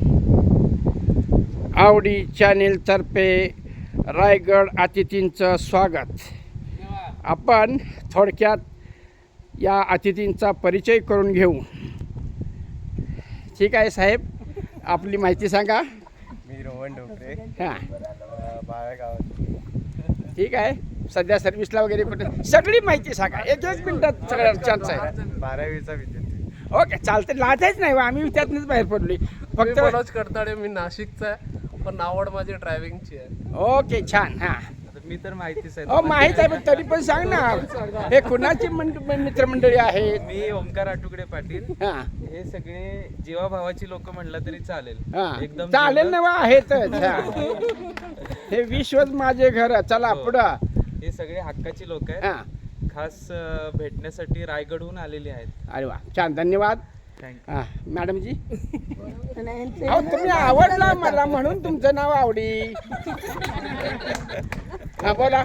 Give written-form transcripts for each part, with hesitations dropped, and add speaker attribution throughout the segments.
Speaker 1: आवडी चॅनेलतर्फे रायगड अतिथींचं स्वागत. आपण थोडक्यात या अतिथींचा परिचय करून घेऊ. ठीक आहे साहेब, आपली माहिती सांगा.
Speaker 2: मी रोहन डोकरे,
Speaker 1: हां,
Speaker 2: बाळागावात.
Speaker 1: ठीक आहे. सध्या सर्व्हिसला वगैरे कुठे सगळी माहिती सांगा. एक मिनिटात सगळ्या चान्स आहे.
Speaker 2: 12वीचा विद्यार्थी.
Speaker 1: ओके, चालते. लाजायच नाही, आम्ही त्यातनंच बाहेर पडलोय. फक्त
Speaker 3: मनोज करताडे, मी नाशिकचा आहे, पण आवड माझी ड्रायव्हिंगची आहे.
Speaker 1: ओके, छान. हां,
Speaker 2: मी तर माहितीच आहे.
Speaker 1: हो माहीत आहे, पण तरी पण सांग ना, हे कुणाची मित्रमंडळी आहेत?
Speaker 2: मी ओमकार आटुकडे पाटील.
Speaker 1: हां
Speaker 2: हे सगळे जीवाभावाची लोक म्हणलं तरी चालेल.
Speaker 1: हां,
Speaker 2: एकदम
Speaker 1: चालेल
Speaker 2: जीवलग.
Speaker 1: ना, आहेतच. हां. हे विश्वच माझे घर. चला
Speaker 2: हो.
Speaker 1: पुढं.
Speaker 2: हे सगळे हक्काची लोक आहेत.
Speaker 1: हां,
Speaker 2: खास भेटण्यासाठी रायगडहून आलेले आहेत.
Speaker 1: अरे वा, छान, धन्यवाद.
Speaker 2: थँक्यू.
Speaker 1: हां, मॅडमजी. अहो, तुम्ही आवडला मला म्हणून तुमचं नाव आवडी. हां, बोला.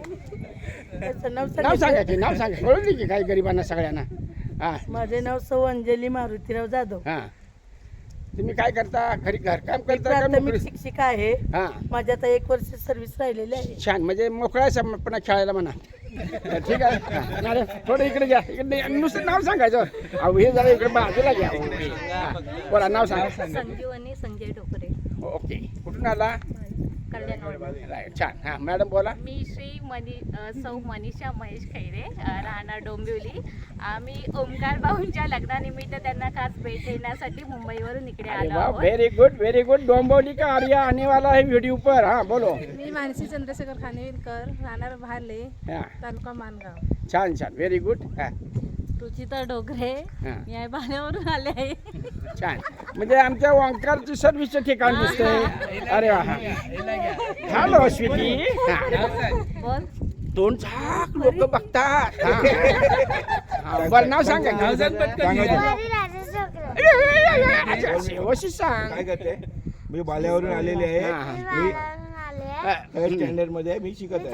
Speaker 1: नाव सांगा की, नाव सांगा. कळून की काही गरिबांना सगळ्यांना. हां
Speaker 4: माझे नाव सौ अंजली मारुतीराव जाधव.
Speaker 1: हां, तुम्ही काय करता? घरी घरकाम
Speaker 4: मी
Speaker 1: करता का
Speaker 4: प्राथमिक
Speaker 1: नोकरी?
Speaker 4: शिक्षिका आहे.
Speaker 1: हां,
Speaker 4: माझी आता 1 वर्ष सर्व्हिस राहिलेली आहे.
Speaker 1: छान. म्हणजे मोकळा पुन्हा खेळायला म्हणा. ठीक आहे. हां, मॅडम थोडं इकडे घ्या. इकडे नुसतं नाव सांगायचं. अहो, हे जरा इकडे बाजूला घ्या. हां, बोला, नाव सांगा.
Speaker 5: संजीवनी संजय डोकरे,
Speaker 1: ओके, कुठून आला?
Speaker 5: कल्याण.
Speaker 1: राईट, छान. हां, मॅडम बोला.
Speaker 5: मी सौ मनीषा महेश खैरे, राहणार डोंबिवली. आम्ही ओमकार भाऊंच्या लग्नानिमित्त त्यांना खास भेट देण्यासाठी मुंबईवरून इकडे
Speaker 1: अरे
Speaker 5: आलो
Speaker 1: वाह,
Speaker 5: आहोत.
Speaker 1: Very good, very good. Dombivli का आर्या आने वाला है वीडियो पर. हां, बोलो.
Speaker 6: मी मानसी चंद्रशेखर खानविलकर, राहणार भाले,
Speaker 1: हां,
Speaker 6: तालुका मानगाव.
Speaker 1: छान छान, व्हेरी गुड. हां
Speaker 5: रुचिता डोकरे,
Speaker 1: हां,
Speaker 5: मी आहे भाल्यावरून आले आहे.
Speaker 1: छान. म्हणजे आमच्या ओंकारची सर्व्हिसचं ठिकाण दिसतंय. अरे वा. Hello sweetie. हां,
Speaker 5: बोल.
Speaker 1: दोन झाक लोक बघतात. हां. हां, बरं, नाव सांगा. व्यवस्थित सांग.
Speaker 7: काय करते? मी बाल्यावरून आलेले आहे.
Speaker 1: हां, हां.
Speaker 7: मी
Speaker 1: हां.
Speaker 7: थर्ड स्टँडर्ड मध्ये आहे. मी शिकत आहे.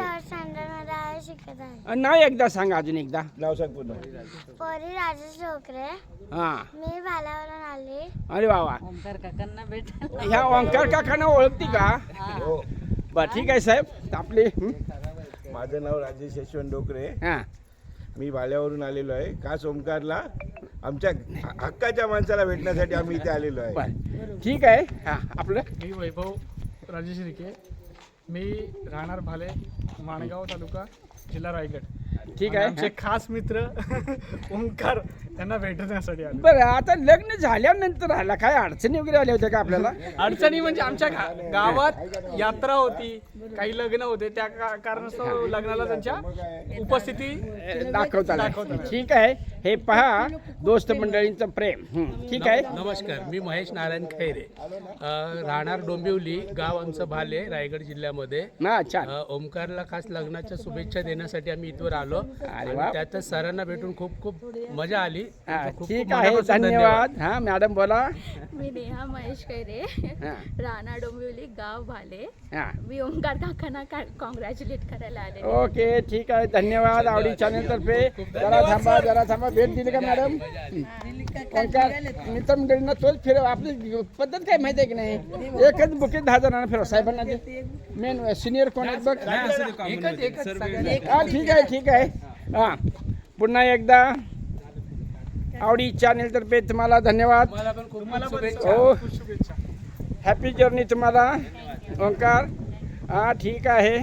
Speaker 1: नाव एकदा सांगा, अजून एकदा.
Speaker 7: नाव सांग पूर्ण.
Speaker 8: पोरी राजेश डोकरे.
Speaker 1: हां,
Speaker 8: मी भाल्यावरून आली.
Speaker 1: अरे वा वा.
Speaker 5: ओमकार काकांना भेटायला.
Speaker 1: ह्या ओंकार काकांना ओळखती का?
Speaker 7: हो.
Speaker 1: बरं, ठीक आहे साहेब. आपले
Speaker 7: माझं नाव राजेश यशवंत डोकरे.
Speaker 1: हां,
Speaker 7: मी बाल्यावरून आलेलो आहे. खास ओमकारला आमच्या हक्काच्या माणसाला भेटण्यासाठी आम्ही इथे आलेलो आहे.
Speaker 1: बरं, ठीक आहे. हां, आपलं.
Speaker 3: मी वैभव राजेश रिके, मी राहणार भाले, माणगाव तालुका, जिल्हा रायगड.
Speaker 1: ठीक
Speaker 3: आणि
Speaker 1: आहे.
Speaker 3: आमचे खास मित्र ओमकार यांना भेटण्यासाठी आले.
Speaker 1: बरं, आता लग्न झाल्यानंतर आला काय अडचणी वगैरे आल्या होत्या का आपल्याला?
Speaker 3: अडचणी म्हणजे आमच्या गावात यात्रा होती, काही लग्न होते, त्या कारणास्तव लग्नाला त्यांच्या उपस्थिती
Speaker 1: दाखवता
Speaker 3: दाखवताना.
Speaker 1: ठीक आहे. हे पहा, दोस्त मंडळींचं प्रेम. ठीक आहे.
Speaker 9: नमस्कार, मी महेश नारायण खैरे, राहणार डोंबिवली, गाव आमचं भाले, रायगड जिल्ह्यामध्ये.
Speaker 1: हां, छान.
Speaker 9: ओमकारला खास लग्नाच्या शुभेच्छा देण्यासाठी आम्ही इथवर आलो.
Speaker 1: अरे वा.
Speaker 9: आणि त्यातच सरांना भेटून खूप खूप मजा आली.
Speaker 1: हां,
Speaker 9: खूप
Speaker 1: ठीक
Speaker 9: खूप
Speaker 1: आहे.
Speaker 9: मनापासून
Speaker 1: धन्यवाद. हां, मॅडम बोला.
Speaker 5: मी नेहा महेश खैरे,
Speaker 1: हां,
Speaker 5: राहणार डोंबिवली, गाव भाले.
Speaker 1: हां.
Speaker 5: मी ओमकार काकांना कॉंग्रॅच्युलेट करायला आले.
Speaker 1: ओके, ठीक आहे. धन्यवाद. आवडी चॅनल तर्फे. जरा थांबा. भेट दिली का मॅडम? ओंकार मित्रमंडळींना तोच फिरव. आपली पद्धत काय माहिती आहे की नाही? एकच बुके 10 जणांना फिरव. साहेबांना दे. मेन सिनियर कोण आहेत बघ. हां, ठीक आहे. हां, पुन्हा एकदा आवडी चॅनेल तर्फे तुम्हाला धन्यवाद.
Speaker 9: मला पण खूप खूप शुभेच्छा.
Speaker 1: हो, हॅपी जर्नी तुम्हाला ओंकार. हां, ठीक आहे.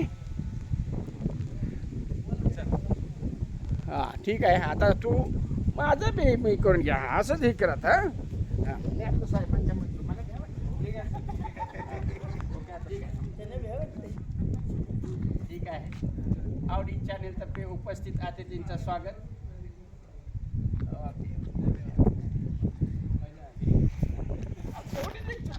Speaker 1: हां, ठीक आहे. आता तू माझं बी मी करून घ्या. असंच हे करत. हां, हां. मी आपलं साहेबांच्या मध्ये मला द्या बरं. ठीक आहे. आवडी चॅनेल तर्फे उपस्थित अतिथींचं स्वागत.